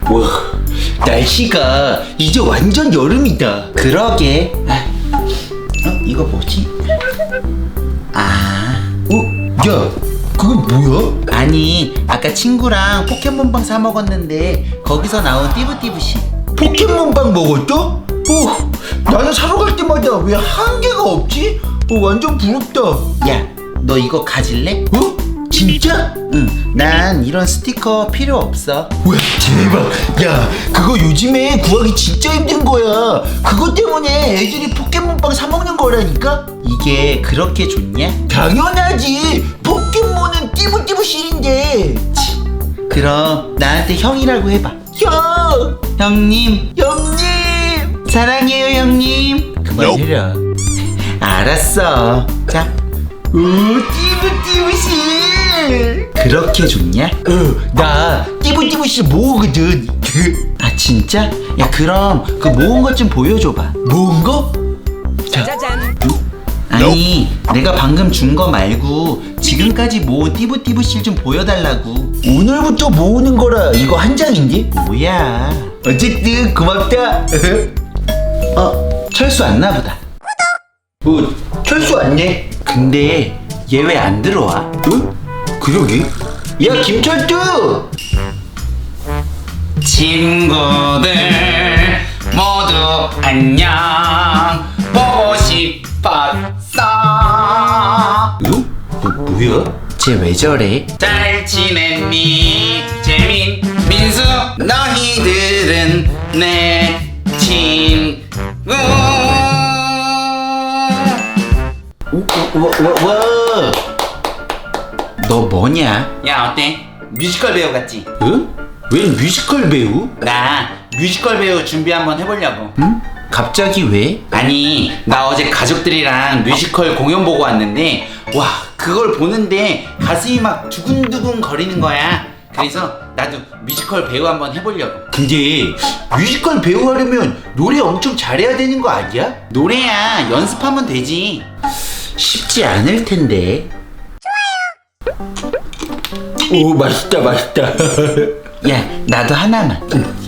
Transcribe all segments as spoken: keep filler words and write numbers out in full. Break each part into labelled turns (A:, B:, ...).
A: 와, 날씨가 이제 완전 여름이다.
B: 그러게. 아, 어? 이거 뭐지? 아,
A: 어? 야, 그건 뭐야?
B: 아니 아까 친구랑 포켓몬빵 사 먹었는데 거기서 나온 띠부띠부씨.
A: 포켓몬빵 먹었어? 어, 나는 사러 갈 때마다 왜 한 개가 없지? 어, 완전 부럽다.
B: 야, 너 이거 가질래?
A: 어? 진짜?
B: 응, 난 이런 스티커 필요 없어.
A: 와, 대박. 야, 그거 요즘에 구하기 진짜 힘든 거야. 그것 때문에 애들이 포켓몬빵 사 먹는 거라니까?
B: 이게 그렇게 좋냐?
A: 당연하지. 포켓몬은 띠부띠부실인데.
B: 그럼 나한테 형이라고 해봐.
A: 형,
B: 형님,
A: 형님.
B: 사랑해요 형님.
A: 그만 해라.
B: 알았어. 자,
A: 오, 띠부띠부실.
B: 그렇게 좋냐?
A: 어, 나 띠부띠부실 모으거든.
B: 아 진짜? 야 그럼 그 모은 것 좀 보여줘봐.
A: 모은 거? 자,
B: 아니 내가 방금 준 거 말고 지금까지 모은 띠부띠부실 좀 보여달라고.
A: 오늘부터 모으는 거라 이거 한 장인데?
B: 뭐야?
A: 어쨌든 고맙다.
B: 어 철수 왔나 보다.
A: 뭐 철수 왔네.
B: 근데 얘 왜 안 들어와?
A: 어? 그러게. 야, 김철두.
B: 친구들 모두 안녕. 보고 싶었어.
A: 어? 뭐, 뭐야?
B: 쟤 왜 저래? 잘 지냈니? 재민, 민수, 너희들은 내 친구.
A: 오, 와, 와, 와.
B: 너 뭐냐? 야 어때? 뮤지컬 배우 같지?
A: 어? 웬 뮤지컬 배우?
B: 나 뮤지컬 배우 준비 한번 해보려고. 응? 갑자기 왜? 아니 나 어제 가족들이랑 뮤지컬 공연 보고 왔는데 와 그걸 보는데 가슴이 막 두근두근 거리는 거야. 그래서 나도 뮤지컬 배우 한번 해보려고.
A: 근데 뮤지컬 배우 하려면 노래 엄청 잘해야 되는 거 아니야?
B: 노래야 연습하면 되지. 쉽지 않을 텐데.
A: 오, 맛있다, 맛있다.
B: 야 나도 하나만.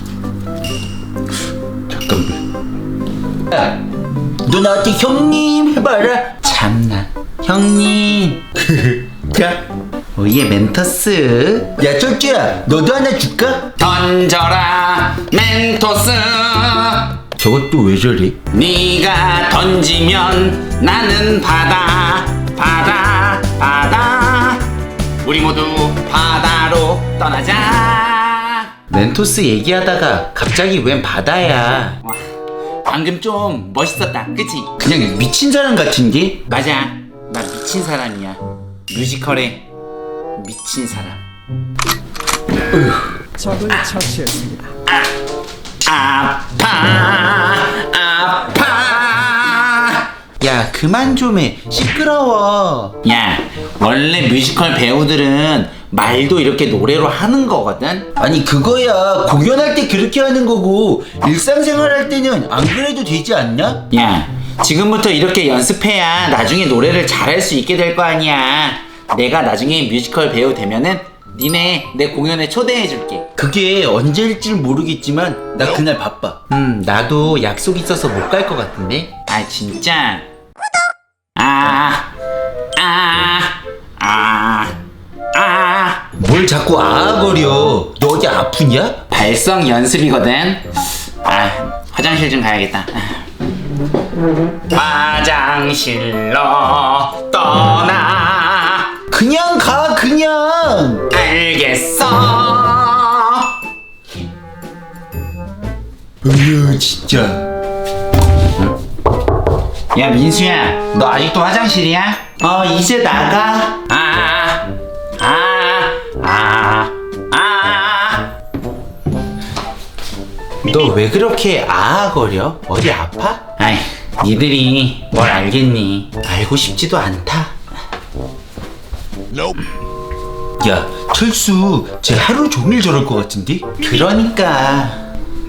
A: 잠깐만. 야, 너 나한테 형님 해봐라.
B: 참나 형님.
A: 자,
B: 오예 멘토스.
A: 야, 철주야, 너도 하나 줄까?
B: 던져라 멘토스.
A: 저것도 왜 저래?
B: 네가 던지면 나는 바다 바다 바다 우리 모두 바다로 떠나자. 멘토스 얘기하다가 갑자기 웬 바다야. 와, 방금 좀 멋있었다 그치?
A: 그냥 미친 사람 같은데?
B: 맞아 나 미친 사람이야. 뮤지컬에 미친 사람.
C: 적을 처치했습니다.
B: 아파 아파. 야 그만 좀 해. 시끄러워. 야 원래 뮤지컬 배우들은 말도 이렇게 노래로 하는 거거든.
A: 아니, 그거야 공연할 때 그렇게 하는 거고 일상생활 할 때는 안 그래도 되지 않냐?
B: 야 지금부터 이렇게 연습해야 나중에 노래를 잘할 수 있게 될 거 아니야. 내가 나중에 뮤지컬 배우 되면은 니네 내 공연에 초대해 줄게.
A: 그게 언제일지 모르겠지만 나 그날 바빠.
B: 음 나도 약속 있어서 못 갈 것 같은데. 아 진짜. 아 아, 아, 아.
A: 뭘 자꾸 아아거려. 너 어디 아프냐?
B: 발성 연습이거든. 아 화장실 좀 가야겠다. 화장실로 떠나.
A: 그냥 가, 그냥.
B: 알겠어.
A: 으유, 진짜.
B: 야 민수야 너 아직도 화장실이야? 어 이제 나가. 아 아 아 아. 너 왜 그렇게 아아거려? 어디 아파? 아이 니들이 뭘 알겠니. 알고 싶지도 않다.
A: 야, 철수 쟤 하루 종일 저럴 것 같은데?
B: 그러니까.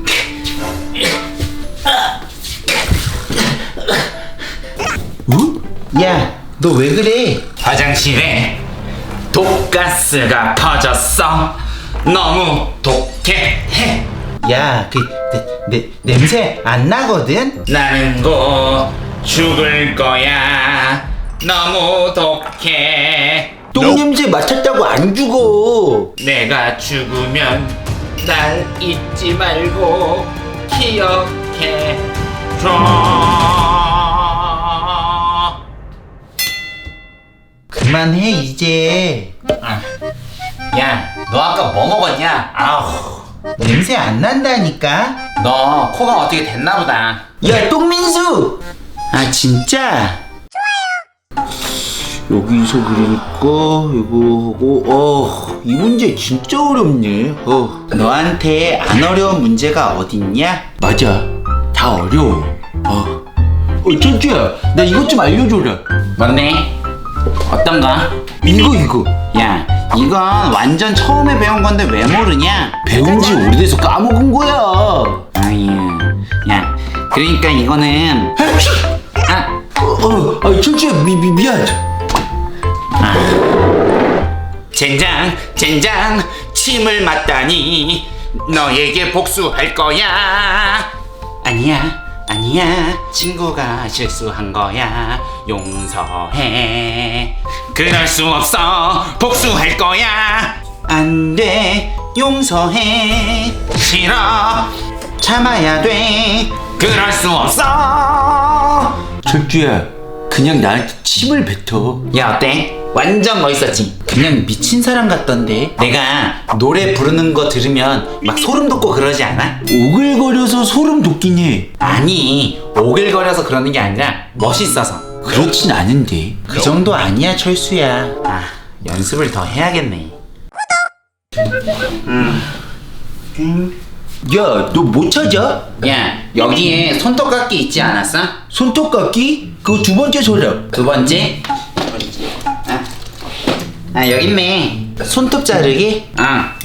A: 어?
B: 야, 너 왜 그래? 화장실에 독가스가 퍼졌어. 너무 독해.
A: 야, 그 내, 내, 냄새 안 나거든?
B: 나는 곧 죽을 거야. 너무 독해.
A: 똥 냄새 맡았다고 안 죽어.
B: 내가 죽으면 날 잊지 말고 기억해 줘.
A: 그만해 이제.
B: 아, 야, 너 아까 뭐 먹었냐? 아우,
A: 냄새 안 난다니까.
B: 너 코가 어떻게 됐나 보다.
A: 야, 똥민수.
B: 아, 진짜?
A: 여기서 그리니까 이거 하고 어, 이 문제 진짜 어렵네. 어,
B: 너한테 안 어려운 문제가 어딨냐?
A: 맞아. 다 어려워. 어, 어 천주야, 나 이것 좀 알려줘라.
B: 뭔데? 어떤가?
A: 이거 이거.
B: 야, 이건 완전 처음에 배운 건데 왜 모르냐?
A: 배운 지 오래돼서 까먹은 거야.
B: 아유, 야, 그러니까 이거는 아,
A: 어, 어, 아, 천주야, 미, 미, 미안.
B: 젠장, 젠장, 침을 맞다니 너에게 복수할 거야. 아니야, 아니야, 친구가 실수한 거야. 용서해. 그럴 수 없어. 복수할 거야. 안 돼, 용서해. 싫어, 참아야 돼. 그럴 수 없어.
A: 천주야, 그냥 나한테 침을 뱉어.
B: 야, 어때? 완전 멋있었지? 그냥 미친 사람 같던데. 내가 노래 부르는 거 들으면 막 소름 돋고 그러지 않아?
A: 오글거려서 소름 돋긴 해.
B: 아니, 오글거려서 그러는 게 아니라 멋있어서.
A: 그렇진 않은데.
B: 그 정도 아니야, 철수야. 아, 연습을 더 해야겠네.
A: 야, 너 못 찾아?
B: 야, 여기에 손톱깎이 있지 않았어?
A: 손톱깎이? 그거 두 번째 서랍.
B: 두 번째? 아, 아 여기 있네. 손톱 자르기? 아,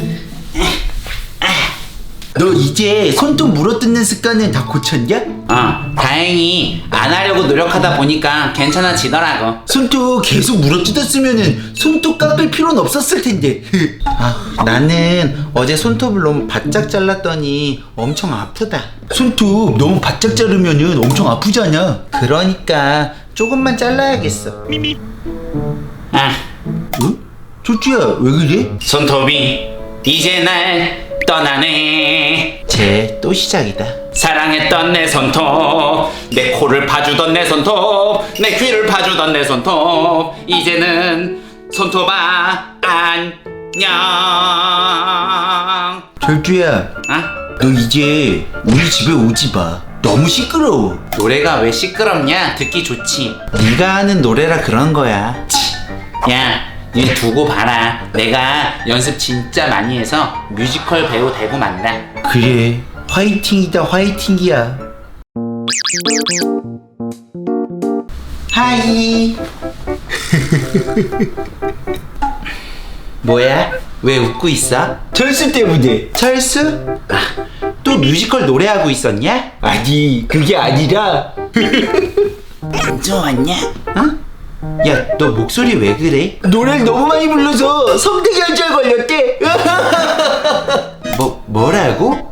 A: 너 이제 손톱 물어뜯는 습관은 다 고쳤냐?
B: 어, 다행히 안 하려고 노력하다 보니까 괜찮아지더라고.
A: 손톱 계속 물어뜯었으면은 손톱 깎을 필요는 없었을 텐데.
B: 아, 나는 어제 손톱을 너무 바짝 잘랐더니 엄청 아프다.
A: 손톱 너무 바짝 자르면은 엄청 아프잖아.
B: 그러니까 조금만 잘라야겠어. 아,
A: 응? 조주야, 왜 그래?
B: 손톱이 이제 날 떠나네. 쟤 또 시작이다. 사랑했던 내 손톱, 내 코를 봐주던 내 손톱, 내 귀를 봐주던 내 손톱, 이제는 손톱아 안녕.
A: 절주야,
B: 아?
A: 너 이제 우리 집에 오지 마. 너무 시끄러워.
B: 노래가 왜 시끄럽냐? 듣기 좋지. 네가 하는 노래라 그런 거야. 치. 야, 니 두고 봐라. 내가 연습 진짜 많이 해서 뮤지컬 배우 되고 만다.
A: 그래, 화이팅이다 화이팅이야.
B: 하이. 뭐야? 왜 웃고 있어?
A: 철수 때문에.
B: 철수? 아, 또 뮤지컬 노래하고 있었냐?
A: 아니, 그게 아니라.
B: 안 좋았냐? 어? 야, 너 목소리 왜 그래?
A: 노래를 너무 많이 불러서 성대결절 걸렸대.
B: 뭐, 뭐라고?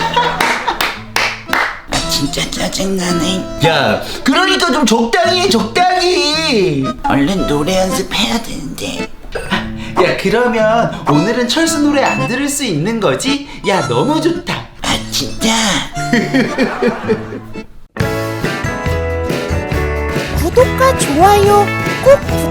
B: 진짜 짜증나네.
A: 야, 그러니까 좀 적당히 해, 적당히.
B: 얼른 노래 연습해야 되는데. 야, 그러면 오늘은 철수 노래 안 들을 수 있는 거지? 야, 너무 좋다. 아, 진짜?
D: 구독과 좋아요 꼭 부탁드립니다.